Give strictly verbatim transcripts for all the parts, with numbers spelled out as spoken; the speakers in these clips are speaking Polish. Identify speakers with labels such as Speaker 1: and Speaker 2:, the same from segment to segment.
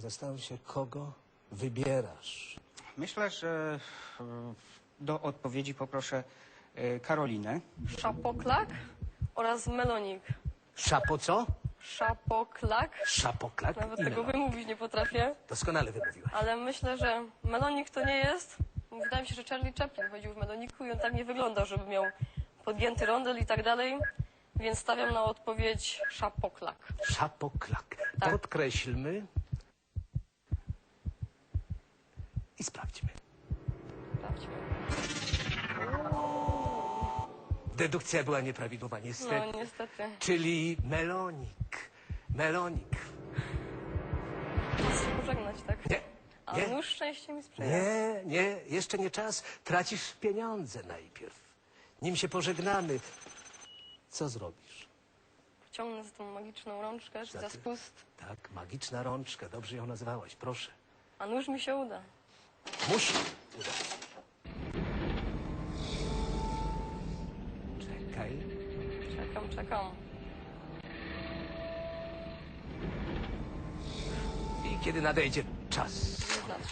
Speaker 1: Zastanów się, kogo wybierasz.
Speaker 2: Myślę, że e, do odpowiedzi poproszę e, Karolinę.
Speaker 3: Szapoklak oraz melonik.
Speaker 1: Szapo co?
Speaker 3: Szapoklak.
Speaker 1: Szapoklak
Speaker 3: Nawet
Speaker 1: i
Speaker 3: tego
Speaker 1: melonik.
Speaker 3: wymówić nie potrafię.
Speaker 1: Doskonale wymówiłaś.
Speaker 3: Ale myślę, że melonik to nie jest. Wydaje mi się, że Charlie Chaplin chodził w meloniku i on tak nie wyglądał, żeby miał podgięty rondel i tak dalej. Więc stawiam na odpowiedź szapoklak.
Speaker 1: Szapoklak.
Speaker 3: Tak.
Speaker 1: Podkreślmy i sprawdźmy.
Speaker 3: Sprawdźmy.
Speaker 1: Dedukcja była nieprawidłowa, niestety.
Speaker 3: No niestety.
Speaker 1: Czyli melonik. Melonik.
Speaker 3: Czas się pożegnać, tak?
Speaker 1: Nie,
Speaker 3: A
Speaker 1: nie.
Speaker 3: nóż szczęście mi sprzyja.
Speaker 1: Nie, nie, jeszcze nie czas. Tracisz pieniądze najpierw. Nim się pożegnamy, co zrobisz?
Speaker 3: Ciągnę za tą magiczną rączkę, czy za
Speaker 1: Znaczy-
Speaker 3: spust.
Speaker 1: Tak, magiczna rączka, dobrze ją nazwałaś, proszę.
Speaker 3: A nóż mi się uda.
Speaker 1: Musi udać. Czekaj.
Speaker 3: Czekam, czekam.
Speaker 1: I kiedy nadejdzie czas.
Speaker 3: Wyznacz.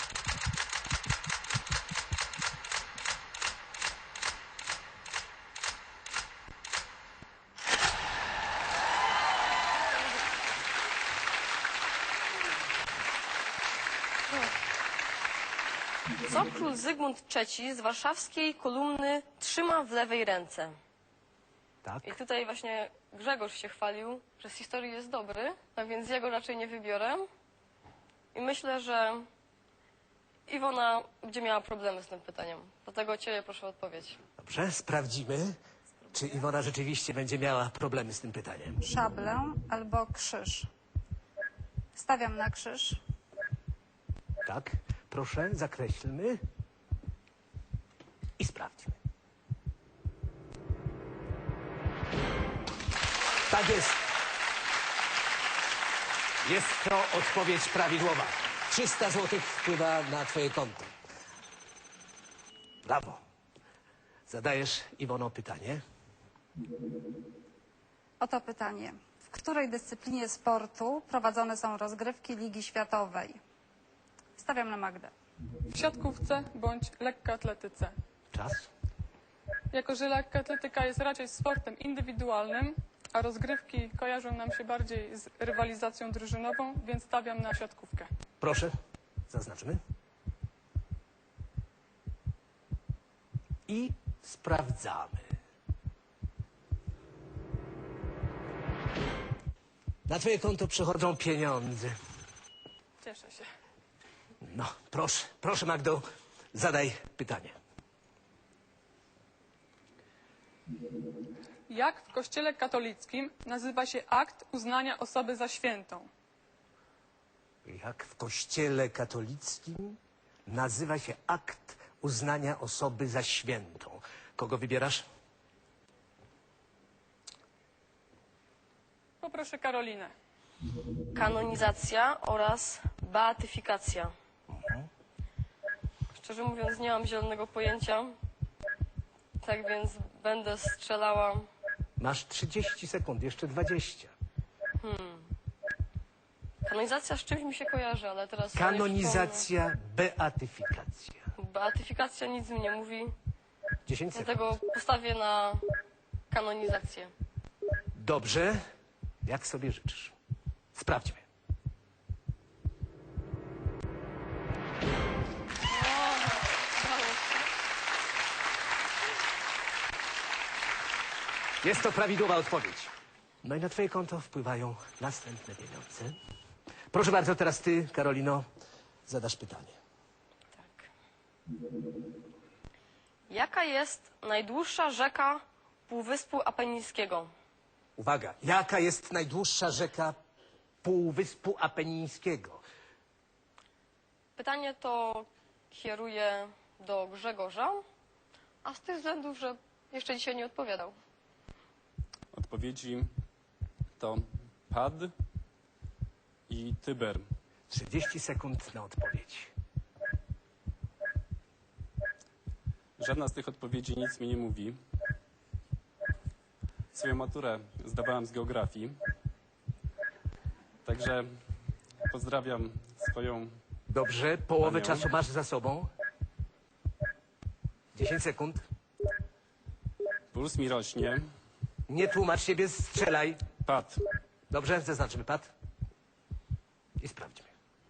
Speaker 3: Co król Zygmunt trzeci z warszawskiej kolumny trzyma w lewej ręce?
Speaker 1: Tak?
Speaker 3: I tutaj właśnie Grzegorz się chwalił, że z historii jest dobry, tak więc jego raczej nie wybiorę. I myślę, że Iwona będzie miała problemy z tym pytaniem. Dlatego Ciebie proszę o odpowiedź.
Speaker 1: Dobrze, sprawdzimy, czy Iwona rzeczywiście będzie miała problemy z tym pytaniem.
Speaker 4: Szablę albo krzyż. Stawiam na krzyż.
Speaker 1: Tak? Proszę, zakreślmy i sprawdźmy. Tak jest. Jest to odpowiedź prawidłowa. trzysta złotych wpływa na twoje konto. Brawo. Zadajesz, Iwono, pytanie.
Speaker 4: Oto pytanie. W której dyscyplinie sportu prowadzone są rozgrywki Ligi Światowej? Stawiam na Magdę.
Speaker 5: W siatkówce bądź lekkoatletyce.
Speaker 1: Czas.
Speaker 5: Jako że lekkoatletyka jest raczej sportem indywidualnym, a rozgrywki kojarzą nam się bardziej z rywalizacją drużynową, więc stawiam na siatkówkę.
Speaker 1: Proszę, zaznaczmy. I sprawdzamy. Na twoje konto przychodzą pieniądze.
Speaker 5: Cieszę się.
Speaker 1: No, proszę, proszę Magdo, zadaj pytanie.
Speaker 5: Jak w Kościele katolickim nazywa się akt uznania osoby za świętą?
Speaker 1: Jak w Kościele katolickim nazywa się akt uznania osoby za świętą? Kogo wybierasz?
Speaker 5: Poproszę Karolinę.
Speaker 3: Kanonizacja oraz beatyfikacja. Szczerze mówiąc, nie mam zielonego pojęcia. Tak więc będę strzelała.
Speaker 1: Masz trzydzieści sekund, jeszcze dwadzieścia.
Speaker 3: Kanonizacja z czymś mi się kojarzy, ale teraz... sobie nie
Speaker 1: Kanonizacja, beatyfikacja.
Speaker 3: przypomnę. Beatyfikacja nic mi nie mówi,
Speaker 1: dziesięć sekund.
Speaker 3: dlatego postawię na kanonizację.
Speaker 1: Dobrze, jak sobie życzysz. Sprawdźmy. Jest to prawidłowa odpowiedź. No i na twoje konto wpływają następne pieniądze. Proszę bardzo, teraz ty, Karolino, zadasz pytanie.
Speaker 3: Tak. Jaka jest najdłuższa rzeka Półwyspu Apenińskiego?
Speaker 1: Uwaga, jaka jest najdłuższa rzeka Półwyspu Apenińskiego?
Speaker 3: Pytanie to kieruję do Grzegorza, a z tych względów, że jeszcze dzisiaj nie odpowiadał.
Speaker 6: Odpowiedzi to Pad i Tyber.
Speaker 1: trzydzieści sekund na odpowiedź.
Speaker 6: Żadna z tych odpowiedzi nic mi nie mówi. Swoją maturę zdawałem z geografii. Także Pozdrawiam swoją...
Speaker 1: Dobrze, połowę
Speaker 6: Panią.
Speaker 1: czasu masz za sobą. dziesięć sekund.
Speaker 6: Puls mi rośnie.
Speaker 1: Nie tłumacz siebie, strzelaj.
Speaker 6: Pad.
Speaker 1: Dobrze, zaznaczmy pad. I sprawdźmy.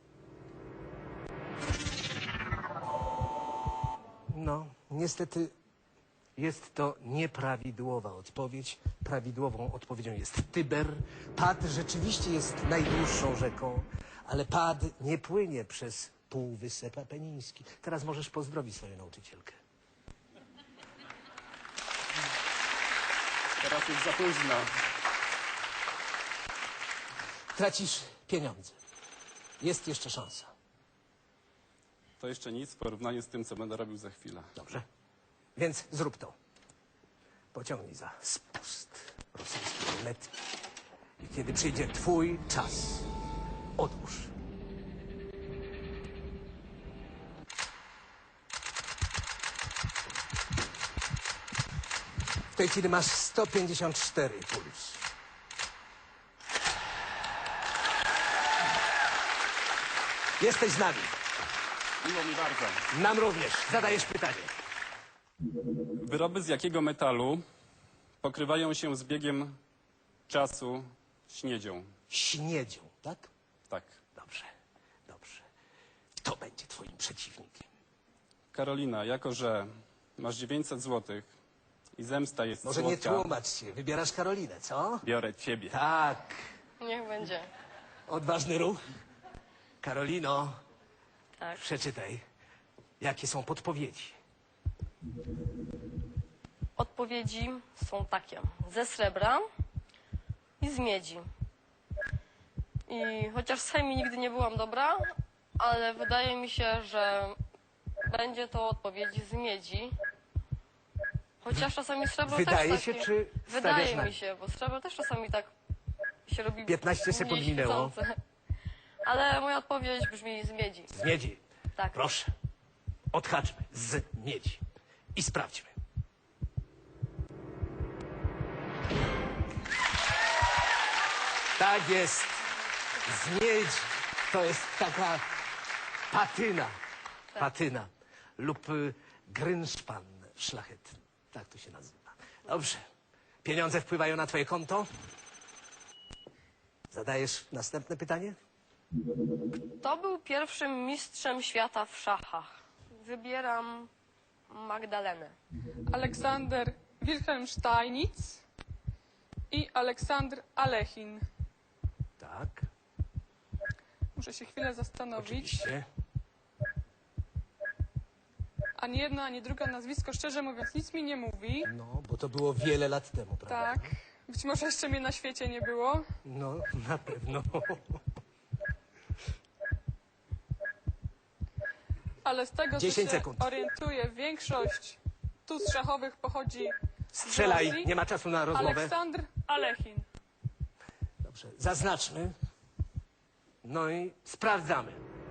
Speaker 1: No, niestety jest to nieprawidłowa odpowiedź. Prawidłową odpowiedzią jest Tyber. Pad rzeczywiście jest najdłuższą rzeką, ale Pad nie płynie przez Półwysep Apeniński. Teraz możesz pozdrowić swoją nauczycielkę.
Speaker 6: Teraz już za późno.
Speaker 1: Tracisz pieniądze. Jest jeszcze szansa.
Speaker 6: To jeszcze nic w porównaniu z tym, co będę robił za chwilę.
Speaker 1: Dobrze? Więc zrób to. Pociągnij za spust rosyjskiej ruletki. I kiedy przyjdzie twój czas, odłóż. W tej chwili masz sto pięćdziesiąt cztery puls. Jesteś z nami.
Speaker 6: Miło mi bardzo.
Speaker 1: Nam również. Zadajesz pytanie.
Speaker 6: Wyroby z jakiego metalu pokrywają się z biegiem czasu śniedzią?
Speaker 1: Śniedzią, tak?
Speaker 6: Tak.
Speaker 1: Dobrze, dobrze. To będzie twoim przeciwnikiem.
Speaker 6: Karolina, jako że masz dziewięćset złotych i zemsta jest
Speaker 1: Może nie
Speaker 6: słodka,
Speaker 1: tłumacz się. Wybierasz Karolinę, co?
Speaker 6: biorę ciebie.
Speaker 1: Tak.
Speaker 3: Niech będzie.
Speaker 1: Odważny ruch. Karolino,
Speaker 3: Tak.
Speaker 1: przeczytaj. Jakie są podpowiedzi?
Speaker 3: Odpowiedzi są takie. Ze srebra i z miedzi. I chociaż z chemii nigdy nie byłam dobra, ale wydaje mi się, że będzie to odpowiedź z miedzi. Chociaż czasami srebro
Speaker 1: Wydaje
Speaker 3: też
Speaker 1: się,
Speaker 3: takie...
Speaker 1: czy stawiasz
Speaker 3: Wydaje
Speaker 1: na
Speaker 3: mi
Speaker 1: nie?
Speaker 3: się, bo srebro też czasami tak się robi
Speaker 1: piętnaście sekund
Speaker 3: mniej
Speaker 1: minęło.
Speaker 3: świecące. Ale moja odpowiedź brzmi z miedzi.
Speaker 1: Z miedzi.
Speaker 3: Tak.
Speaker 1: Proszę. Odhaczmy. Z miedzi. I sprawdźmy. Tak jest. Z miedzi. To jest taka patyna. Patyna. Lub y, grynszpan szlachetny. Tak to się nazywa. Dobrze. Pieniądze wpływają na twoje konto? Zadajesz następne pytanie?
Speaker 3: Kto był pierwszym mistrzem świata w szachach? Wybieram Magdalenę.
Speaker 5: Aleksander Wilhelm Steinitz i Aleksandr Alechin.
Speaker 1: Tak.
Speaker 5: Muszę się chwilę zastanowić.
Speaker 1: Oczywiście.
Speaker 5: Ani jedna, ani druga nazwisko, szczerze mówiąc, nic mi nie mówi.
Speaker 1: No, bo to było wiele lat temu, prawda?
Speaker 5: Tak. Być może jeszcze mnie na świecie nie było.
Speaker 1: No, na pewno.
Speaker 5: Ale z tego, co
Speaker 1: dziesięć
Speaker 5: się
Speaker 1: sekund.
Speaker 5: orientuję, większość tuz szachowych pochodzi z
Speaker 1: Strzelaj,
Speaker 5: Rosji.
Speaker 1: nie ma czasu na rozmowę.
Speaker 5: Aleksandr Alechin.
Speaker 1: Dobrze, zaznaczmy. No i sprawdzamy.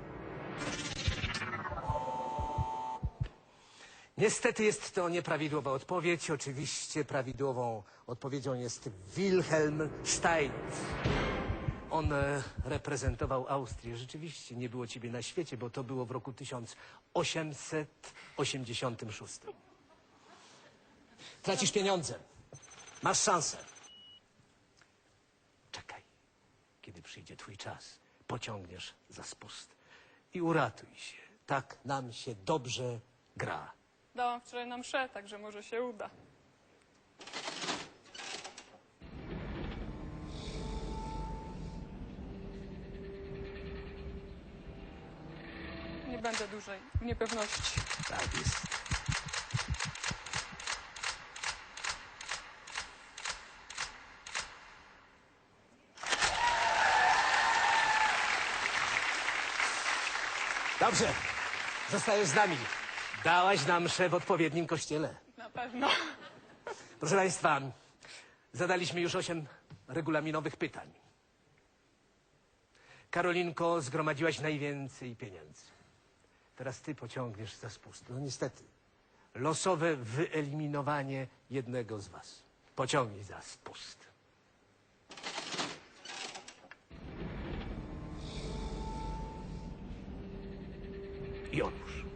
Speaker 1: Niestety jest to nieprawidłowa odpowiedź. Oczywiście prawidłową odpowiedzią jest Wilhelm Steinitz. On e, reprezentował Austrię. Rzeczywiście nie było ciebie na świecie, bo to było w roku tysiąc osiemset osiemdziesiątym szóstym. Tracisz pieniądze. Masz szansę. Czekaj. Kiedy przyjdzie twój czas, pociągniesz za spust. I uratuj się. Tak nam się dobrze gra.
Speaker 5: Dałam wczoraj na mszę, także może się uda. Nie będę dłużej w niepewności.
Speaker 1: Tak jest. Dobrze. Zostajesz z nami. Dałaś nam mszę w odpowiednim kościele.
Speaker 5: Na pewno.
Speaker 1: Proszę Państwa, zadaliśmy już osiem regulaminowych pytań. Karolinko, zgromadziłaś najwięcej pieniędzy. Teraz ty pociągniesz za spust. No niestety, losowe wyeliminowanie jednego z was. Pociągnij za spust. I odłóż.